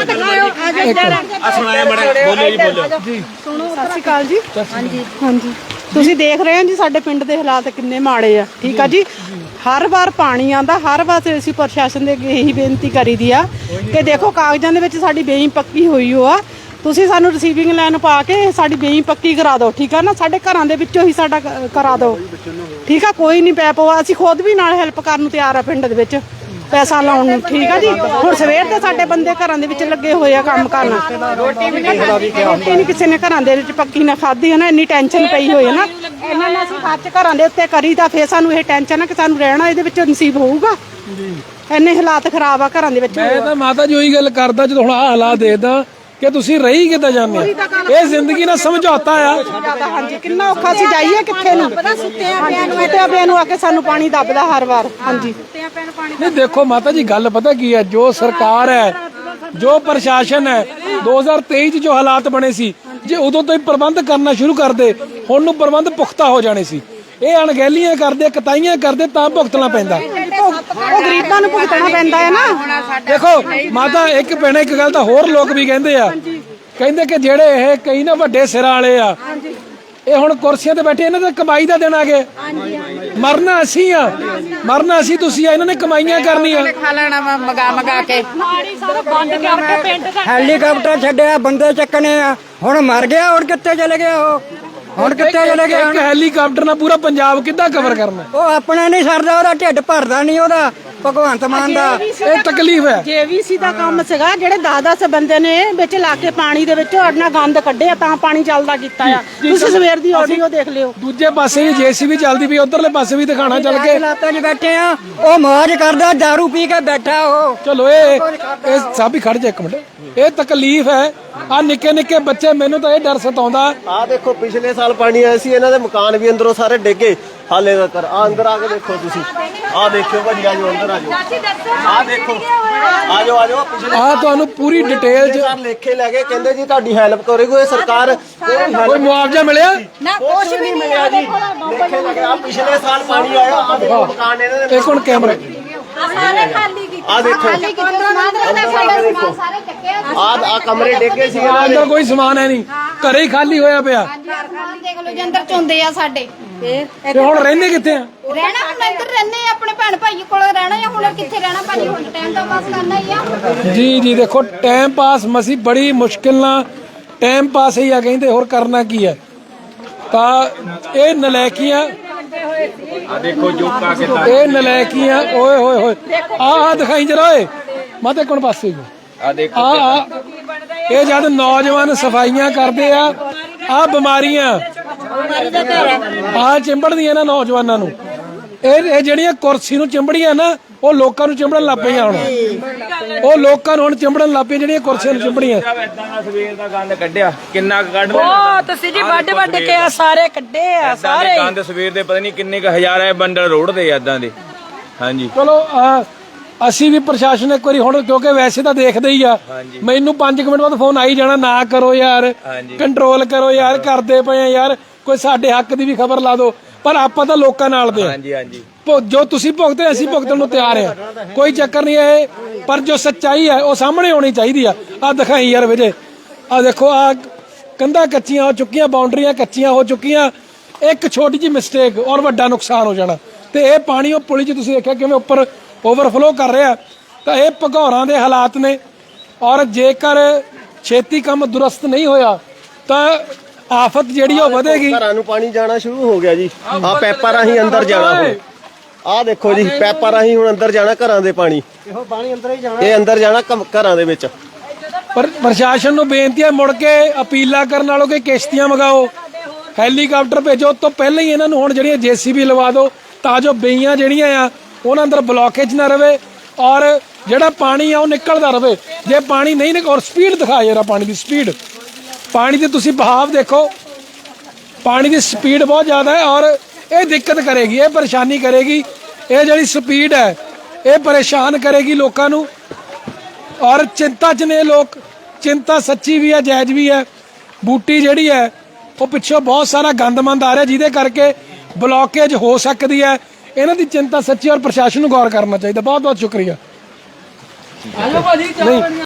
Speaker 8: ਸੁਣੋ, ਸਤਿ ਸ਼੍ਰੀ ਅਕਾਲ ਜੀ। ਹਾਂਜੀ ਹਾਂਜੀ, ਤੁਸੀਂ ਦੇਖ ਰਹੇ ਹੋ ਜੀ ਸਾਡੇ ਪਿੰਡ ਦੇ ਹਾਲਾਤ ਕਿੰਨੇ ਮਾੜੇ ਆ। ਠੀਕ ਆ ਜੀ, ਹਰ ਵਾਰ ਪਾਣੀ ਆਂਦਾ, ਹਰ ਵਾਰ ਅਸੀਂ ਪ੍ਰਸ਼ਾਸਨ ਦੇ ਅੱਗੇ ਇਹੀ ਬੇਨਤੀ ਕਰੀਦੀ ਆ ਕਿ ਦੇਖੋ ਕਾਗਜ਼ਾਂ ਦੇ ਵਿੱਚ ਸਾਡੀ ਬੇਈ ਪੱਕੀ ਹੋਈ ਹੋ ਆ, ਤੁਸੀਂ ਸਾਨੂੰ ਰਿਸੀਵਿੰਗ ਲਾਈਨ ਪਾ ਕੇ ਸਾਡੀ ਬੇਈ ਪੱਕੀ ਕਰਾ ਦਿਓ। ਠੀਕ ਆ ਨਾ, ਸਾਡੇ ਘਰਾਂ ਦੇ ਵਿੱਚੋਂ ਹੀ ਸਾਡਾ ਕ- ਕਰਾ ਦਿਓ। ਠੀਕ ਆ, ਕੋਈ ਨਹੀਂ ਪੈ ਪਵਾ, ਅਸੀਂ ਖੁਦ ਵੀ ਨਾਲ ਹੈਲਪ ਕਰਨ ਨੂੰ ਤਿਆਰ ਆ ਪਿੰਡ ਦੇ ਵਿੱਚ ਪੈਸਾ ਲਾਉਣ ਨੂੰ। ਠੀਕ ਆ ਜੀ, ਹੁਣ ਸਵੇਰ ਦੇ ਸਾਡੇ ਬੰਦੇ ਘਰਾਂ ਦੇ ਵਿੱਚ ਲੱਗੇ ਹੋਏ ਆ ਕੰਮ ਕਰਨ। ਰੋਟੀ ਵੀ ਨਹੀਂ ਰੋਟੀ ਨਹੀਂ ਕਿਸੇ ਨੇ ਘਰਾਂ ਦੇ ਵਿੱਚ ਪੱਕੀ ਨਾ ਖਾਧੀ ਹੈ ਨਾ, ਇੰਨੀ ਟੈਨਸ਼ਨ ਪਈ ਹੋਈ ਹੈ ਨਾ। ਇਹਨਾਂ ਨੇ ਅਸੀਂ ਖਰਚ ਘਰਾਂ ਦੇ ਉੱਤੇ ਕਰੀ ਤਾਂ ਫੇਰ ਸਾਨੂੰ ਇਹ ਟੈਨਸ਼ਨ ਆ ਕਿ ਸਾਨੂੰ ਰਹਿਣਾ ਇਹਦੇ ਵਿੱਚ ਨਸੀਬ ਹੋਊਗਾ। ਇੰਨੇ ਹਾਲਾਤ ਖਰਾਬ ਆ ਘਰਾਂ ਦੇ ਵਿੱਚ।
Speaker 1: ਮੈਂ ਤਾਂ ਮਾਤਾ ਜੀ ਉਹੀ ਗੱਲ ਕਰਦਾ, ਜਦੋਂ ਹੁਣ ਆਹ ਹਾਲਾਤ ਦੇਖਦਾ ਕਿ ਤੁਸੀਂ ਰਹੀ ਕਿੱਦਾਂ ਜਾਂਦੇ ਹੋ। ਇਹ ਜ਼ਿੰਦਗੀ ਨਾਲ ਸਮਝੌਤਾ ਆ।
Speaker 8: ਹਾਂਜੀ, ਕਿੰਨਾ ਔਖਾ ਸੀ, ਜਾਈਏ ਕਿੱਥੇ ਨੂੰ? ਸੁੱਤਿਆਂ ਪਿਆ ਨੂੰ ਸੁੱਤਿਆਂ ਪਿਆ ਨੂੰ ਆ ਕੇ ਸਾਨੂੰ ਪਾਣੀ ਦੱਬਦਾ ਹਰ ਵਾਰ। ਹਾਂਜੀ
Speaker 1: ਨਹੀਂ ਦੇਖੋ ਮਾਤਾ ਜੀ, ਗੱਲ ਪਤਾ ਕੀ ਹੈ, ਜੋ ਸਰਕਾਰ ਹੈ, ਜੋ ਪ੍ਰਸ਼ਾਸਨ ਹੈ, ਦੋ ਹਜ਼ਾਰ ਤੇਈ 'ਚ ਜੋ ਹਾਲਾਤ ਬਣੇ ਸੀ, ਜੇ ਉਦੋਂ ਤੋਂ ਹੀ ਪ੍ਰਬੰਧ ਕਰਨਾ ਸ਼ੁਰੂ ਕਰਦੇ, ਹੁਣ ਨੂੰ ਪ੍ਰਬੰਧ ਪੁਖਤਾ ਹੋ ਜਾਣੇ ਸੀ। ਇਹ ਅਣਗਹਿਲੀਆਂ ਕਰਦੇ, ਕਤਾਈਆਂ ਕਰਦੇ, ਤਾਂ ਭੁਗਤਣਾ ਪੈਂਦਾ।
Speaker 8: ਉਹ ਗਰੀਬਾਂ ਨੂੰ ਭੁਗਤਣਾ ਪੈਂਦਾ ਹੈ ਨਾ।
Speaker 1: ਦੇਖੋ ਮਾਤਾ, ਇੱਕ ਭੈਣੇ ਇੱਕ ਗੱਲ ਤਾਂ ਹੋਰ ਲੋਕ ਵੀ ਕਹਿੰਦੇ ਆ, ਕਹਿੰਦੇ ਕਿ ਜਿਹੜੇ ਇਹ ਕਈ ਨਾ ਵੱਡੇ ਸਿਰਾਂ ਵਾਲੇ ਆ, ਇਹ ਹੁਣ ਕੁਰਸੀਆਂ ਤੇ ਬੈਠੇ, ਇਹਨਾਂ ਦਾ ਕਮਾਈ ਦਾ ਦਿਨ ਆ ਗਏ। ਮਰਨਾ ਅਸੀਂ ਆ, ਮਰਨਾ ਅਸੀਂ ਤੁਸੀਂ ਆ, ਇਹਨਾਂ ਨੇ ਕਮਾਈਆਂ ਕਰਨੀਆਂ।
Speaker 6: ਖਾ ਲੈਣਾ ਵਾ ਮਗਾ ਮਗਾ ਕੇ।
Speaker 10: ਹੈਲੀਕਾਪਟਰ ਛੱਡਿਆ, ਬੰਦੇ ਚੱਕਣੇ ਆ, ਹੁਣ ਮਰ ਗਿਆ, ਹੁਣ ਕਿੱਥੇ ਚਲੇ ਗਿਆ ਉਹ? ਹੁਣ ਕਿੱਥੇ ਚਲੇ ਗਿਆ?
Speaker 1: ਇੱਕ ਹੈਲੀਕਾਪਟਰ ਨਾਲ ਪੂਰਾ ਪੰਜਾਬ ਕਿੱਦਾਂ ਕਵਰ ਕਰਨਾ?
Speaker 10: ਉਹ ਆਪਣਾ ਨਹੀਂ ਸਰਦਾ, ਉਹਦਾ ਢਿੱਡ ਭਰਦਾ ਨਹੀਂ ਉਹਦਾ, ਭਗਵੰਤ ਮਾਨ ਦਾ।
Speaker 1: ਇਹ ਤਕਲੀਫ ਹੈ।
Speaker 8: ਜੇਵੀਸੀ ਦਾ ਕੰਮ ਸੀਗਾ, ਜਿਹੜੇ ਦਸ ਦਸ ਬੰਦੇ ਨੇ ਵਿੱਚ ਲਾ ਕੇ ਪਾਣੀ ਦੇ ਵਿੱਚ ਅੜਨਾ ਗੰਦ ਕੱਢਿਆ, ਤਾਂ ਪਾਣੀ ਚੱਲਦਾ ਕੀਤਾ ਆ। ਤੁਸੀਂ ਸਵੇਰ ਦੀ ਆਡੀਓ ਦੇਖ ਲਿਓ।
Speaker 1: ਦੂਜੇ ਪਾਸੇ ਵੀ ਜੇਸੀਬੀ ਚੱਲਦੀ ਪਈ, ਉਧਰਲੇ ਪਾਸੇ ਵੀ ਦਿਖਾਣਾ ਚੱਲ ਕੇ।
Speaker 10: ਹਾਲਾਤਾਂ 'ਚ ਬੈਠੇ ਆ, ਉਹ ਮौज ਕਰਦਾ, ਦਾਰੂ ਪੀ ਕੇ ਬੈਠਾ ਉਹ।
Speaker 1: ਚਲੋ ਇਹ ਇਹ ਸਭ ਹੀ ਖੜ ਜਾ ਇੱਕ ਮਿੰਟ। ਇਹ ਤਕਲੀਫ ਹੈ। ਆ ਨਿੱਕੇ ਨਿੱਕੇ ਬੱਚੇ, ਮੈਨੂੰ ਤਾਂ ਇਹ ਡਰ ਸਤਾਉਂਦਾ।
Speaker 7: ਆਹ ਦੇਖੋ, ਪਿਛਲੇ ਸਾਲ ਪਾਣੀ ਆਇਆ ਸੀ, ਇਹਨਾਂ ਦੇ ਮਕਾਨ ਵੀ ਅੰਦਰੋਂ ਸਾਰੇ ਡਿੱਗੇ ਹਾਲੇ ਤੱਕ। ਆ ਅੰਦਰ ਆ ਕੇ ਦੇਖੋ ਤੁਸੀਂ, ਆਹ ਦੇਖਿਓ ਭਾਜੀ, ਆ ਜਾਓ ਅੰਦਰ ਆ ਜਾਓ। ਆਹ ਦੇਖੋ, ਆ ਜਾਓ ਆ ਜਾਓ। ਪਿਛਲੇ
Speaker 1: ਆ ਤੁਹਾਨੂੰ ਪੂਰੀ ਡਿਟੇਲ 'ਚ
Speaker 7: ਸਾਲ ਲੇਖੇ ਲੈ ਕੇ ਕਹਿੰਦੇ ਜੀ ਤੁਹਾਡੀ ਹੈਲਪ ਕਰੇਗੀ ਇਹ ਸਰਕਾਰ।
Speaker 1: ਕੋਈ ਮੁਆਵਜ਼ਾ ਮਿਲਿਆ?
Speaker 5: ਨਾ ਕੁਛ ਵੀ ਨਹੀਂ
Speaker 7: ਮਿਲਿਆ ਜੀ, ਲੇਖੇ ਲੈ ਕੇ। ਆ ਪਿਛਲੇ ਸਾਲ ਪਾਣੀ ਆਇਆ, ਆ ਦੇਖੋ ਮਕਾਨ ਇਹਨਾਂ ਦੇ।
Speaker 1: ਇੱਕ ਹੁਣ ਕੈਮਰਾ,
Speaker 5: ਸਾਰੇ ਖਾਲੀ ਕੀਤੇ।
Speaker 7: ਆ ਦੇਖੋ,
Speaker 5: ਖਾਲੀ ਕੀਤੇ ਸਮਾਨ ਸਾਡੇ ਸਮਾਨ ਸਾਰੇ ਚੱਕਿਆ।
Speaker 7: ਆ ਆ ਕਮਰੇ ਡਿੱਗੇ ਸੀ ਇਹਨਾਂ ਦੇ।
Speaker 1: ਅੰਦਰ ਕੋਈ ਸਮਾਨ ਹੈ ਨਹੀਂ, ਘਰੇ ਹੀ ਖਾਲੀ ਹੋਇਆ ਪਿਆ।
Speaker 5: ਸਮਾਨ ਦੇਖ ਲਓ ਜੀ, ਅੰਦਰ ਚੁੰਦੇ ਆ ਸਾਡੇ। ਫੇਰ
Speaker 1: ਤੇ ਹੁਣ ਰਹਿੰਦੇ ਕਿੱਥੇ ਆ?
Speaker 5: ਰਹਿਣਾ ਹੁਣ ਇੱਧਰ ਰਹਿੰਦੇ ਆ, ਆਪਣੇ ਭੈਣ ਭਾਈ ਕੋਲ ਰਹਿਣਾ ਆ। ਹੁਣ ਕਿੱਥੇ ਰਹਿਣਾ ਭਾਜੀ, ਹੁਣ ਟਾਈਮ ਤਾਂ ਪਾਸ ਕਰਨਾ ਹੀ ਆ।
Speaker 1: ਜੀ ਜੀ ਦੇਖੋ, ਟਾਈਮ ਪਾਸ ਮਸੀ ਬੜੀ ਮੁਸ਼ਕਿਲ ਨਾਲ ਟਾਈਮ ਪਾਸ ਹੀ ਆ, ਕਹਿੰਦੇ ਹੋਰ ਕਰਨਾ ਕੀ ਹੈ। ਤਾਂ ਇਹ ਨਲਾਇਕੀਆਂ,
Speaker 4: ਆ ਦੇਖੋ ਜੋਕਾ ਕਿਦਾਂ।
Speaker 1: ਇਹ ਨਲਾਇਕੀਆਂ, ਓਏ ਹੋਏ ਹੋਏ, ਆਹ ਆਹ ਦਿਖਾਈ ਜਰਾ ਓਏ ਮਾਤੇ ਕੋਣ ਪਾਸੇ
Speaker 4: ਆ ਦੇਖੋ
Speaker 1: ਆ ਆ ਇਹ ਜਦ ਨੌਜਵਾਨ ਸਫਾਈਆਂ ਕਰਦੇ ਆ, ਆ ਬਿਮਾਰੀਆਂ ਆ ਚਿੰਬੜਦੀਆਂ ਨਾ ਨੌਜਵਾਨਾਂ ਨੂੰ। ਇਹ ਇਹ ਜਿਹੜੀਆਂ ਕੁਰਸੀ ਨੂੰ ਚਿੰਬੜੀਆਂ ਨਾ, ਉਹ ਲੋਕਾਂ ਨੂੰ ਚਿੰਬੜਨ ਲੱਗ ਪਈਆਂ। ਹੁਣ ਉਹ ਲੋਕਾਂ ਨੂੰ ਹੁਣ ਚਿੰਬੜਨ ਲੱਗ ਪਈਆਂ ਜਿਹੜੀਆਂ ਕੁਰਸੀਆਂ ਨੂੰ ਚਿੰਬੜੀਆਂ।
Speaker 4: ਇਦਾਂ ਦਾ ਸਵੇਰ ਦਾ ਗੰਦ ਕੱਢਿਆ, ਕਿੰਨਾ ਕੁ ਕੱਢ ਲਿਆ।
Speaker 9: ਉਹ ਤੁਸੀਂ ਜੀ ਵੱਡ ਵੱਡ ਕੇ ਆ ਸਾਰੇ ਕੱਢੇ ਆ
Speaker 4: ਸਾਰੇ ਗੰਦ ਸਵੇਰ ਦੇ ਪਤਾ ਨਹੀਂ ਕਿੰਨੇ ਕ ਹਜ਼ਾਰਾਂ ਬੰਡਲ ਰੋੜਦੇ ਆ ਇਦਾਂ ਦੇ। ਹਾਂਜੀ
Speaker 1: ਚਲੋ ਅਹ, ਅਸੀਂ ਵੀ ਪ੍ਰਸ਼ਾਸਨ ਇੱਕ ਵਾਰੀ ਹੁਣ ਕਿਉਂਕਿ ਵੈਸੇ ਤਾਂ ਦੇਖਦੇ ਹੀ ਆ ਮੈਨੂੰ ਪੰਜ ਮਿੰਟ ਬਾਅਦ ਫੋਨ ਆਈ ਜਾਣਾ ਨਾ ਕਰੋ ਯਾਰ ਕੰਟਰੋਲ ਕਰੋ ਯਾਰ ਕਰਦੇ ਪਏ ਆ ਯਾਰ ਕੋਈ ਸਾਡੇ ਹੱਕ ਦੀ ਵੀ ਖਬਰ ਲਾ ਦਿਓ ਪਰ ਆਪਾਂ ਤਾਂ ਲੋਕਾਂ ਨਾਲ ਦੇ ਆ
Speaker 4: ਹਾਂਜੀ ਹਾਂਜੀ
Speaker 1: ਭੁ- ਜੋ ਤੁਸੀਂ ਭੁਗਤੇ ਅਸੀਂ ਭੁਗਤਣ ਨੂੰ ਤਿਆਰ ਆ ਕੋਈ ਚੱਕਰ ਨਹੀਂ ਹੈ ਪਰ ਜੋ ਸੱਚਾਈ ਹੈ ਉਹ ਸਾਹਮਣੇ ਆਉਣੀ ਚਾਹੀਦੀ ਆ ਆ ਦਿਖਾਈ ਯਾਰ ਵਿਜੇ ਆ ਦੇਖੋ ਆ ਕੰਧਾਂ ਕੱਚੀਆਂ ਹੋ ਚੁੱਕੀਆਂ ਬਾਉਂਡਰੀਆਂ ਕੱਚੀਆਂ ਹੋ ਚੁੱਕੀਆਂ ਇੱਕ ਛੋਟੀ ਜਿਹੀ ਮਿਸਟੇਕ ਔਰ ਵੱਡਾ ਨੁਕਸਾਨ ਹੋ ਜਾਣਾ ਤੇ ਇਹ ਪਾਣੀ ਉਹ ਪੁਲੀ 'ਚ ਤੁਸੀਂ ਦੇਖਿਆ ਕਿਵੇਂ ਉੱਪਰ ਓਵਰਫਲੋ ਕਰ ਰਿਹਾ ਤਾਂ ਇਹ ਭਗੌਰਾਂ ਦੇ ਹਾਲਾਤ ਨੇ ਔਰ ਜੇਕਰ ਛੇਤੀ ਕੰਮ ਦੁਰਸਤ ਨਹੀਂ ਹੋਇਆ ਤਾਂ ਆਫਤ ਜਿਹੜੀ ਉਹ ਵਧੇਗੀ
Speaker 7: ਘਰਾਂ ਨੂੰ ਪਾਣੀ ਜਾਣਾ ਸ਼ੁਰੂ ਹੋ ਗਿਆ ਜੀ ਆ ਪੈਪਾਂ ਰਾਹੀਂ ਅੰਦਰ ਜਾਣਾ ਹੁਣ ਆਹ ਦੇਖੋ ਜੀ ਪੈਪਾਂ ਰਾਹੀਂ ਹੁਣ ਅੰਦਰ ਜਾਣਾ ਘਰਾਂ ਦੇ ਪਾਣੀ ਇਹੋ ਪਾਣੀ ਅੰਦਰ ਹੀ ਜਾਣਾ ਇਹ ਅੰਦਰ ਜਾਣਾ ਘ- ਘਰਾਂ ਦੇ ਵਿੱਚ
Speaker 1: ਪਰ ਪ੍ਰਸ਼ਾਸਨ ਨੂੰ ਬੇਨਤੀ ਹੈ ਮੁੜ ਕੇ ਅਪੀਲਾਂ ਕਰਨ ਨਾਲੋਂ ਕਿ ਕਿਸ਼ਤੀਆਂ ਮੰਗਾਓ ਹੈਲੀਕਾਪਟਰ ਭੇਜੋ ਉਸ ਤੋਂ ਪਹਿਲਾਂ ਹੀ ਇਹਨਾਂ ਨੂੰ ਹੁਣ ਜਿਹੜੀਆਂ ਜੇਸੀਬੀ ਲਵਾ ਦਿਓ ਤਾਂ ਜੋ ਬਈਆਂ ਜਿਹੜੀਆਂ ਆ ਉਹਨਾਂ ਅੰਦਰ ਬਲੌਕੇਜ ਨਾ ਰਵੇ ਔਰ ਜਿਹੜਾ ਪਾਣੀ ਆ ਉਹ ਨਿਕਲਦਾ ਰਵੇ ਜੇ ਪਾਣੀ ਨਹੀਂ ਨਿਕ ਔਰ ਸਪੀਡ ਦਿਖਾ ਜਰਾ ਪਾਣੀ ਦੀ ਸਪੀਡ ਪਾਣੀ ਦੀ ਤੁਸੀਂ ਬਹਾਵ ਦੇਖੋ ਪਾਣੀ ਦੀ ਸਪੀਡ ਬਹੁਤ ਜ਼ਿਆਦਾ ਹੈ ਔਰ ਇਹ ਦਿੱਕਤ ਕਰੇਗੀ ਇਹ ਪਰੇਸ਼ਾਨੀ ਕਰੇਗੀ ਇਹ ਜਿਹੜੀ ਸਪੀਡ ਹੈ ਇਹ ਪਰੇਸ਼ਾਨ ਕਰੇਗੀ ਲੋਕਾਂ ਨੂੰ ਔਰ ਚਿੰਤਾ 'ਚ ਨੇ ਲੋਕ ਚਿੰਤਾ ਸੱਚੀ ਵੀ ਹੈ ਜਾਇਜ਼ ਵੀ ਹੈ ਬੂਟੀ ਜਿਹੜੀ ਹੈ ਉਹ ਪਿੱਛੋਂ ਬਹੁਤ ਸਾਰਾ ਗੰਦਮੰਦ ਆ ਰਿਹਾ ਜਿਹਦੇ ਕਰਕੇ ਬਲੌਕੇਜ ਹੋ ਸਕਦੀ ਹੈ ਇਹਨਾਂ ਦੀ ਚਿੰਤਾ ਸੱਚੀ ਔਰ ਪ੍ਰਸ਼ਾਸਨ ਨੂੰ ਗੌਰ ਕਰਨਾ ਚਾਹੀਦਾ ਬਹੁਤ ਬਹੁਤ ਸ਼ੁਕਰੀਆ
Speaker 3: ਆਜੋ ਭਾਜੀ ਚਾਹ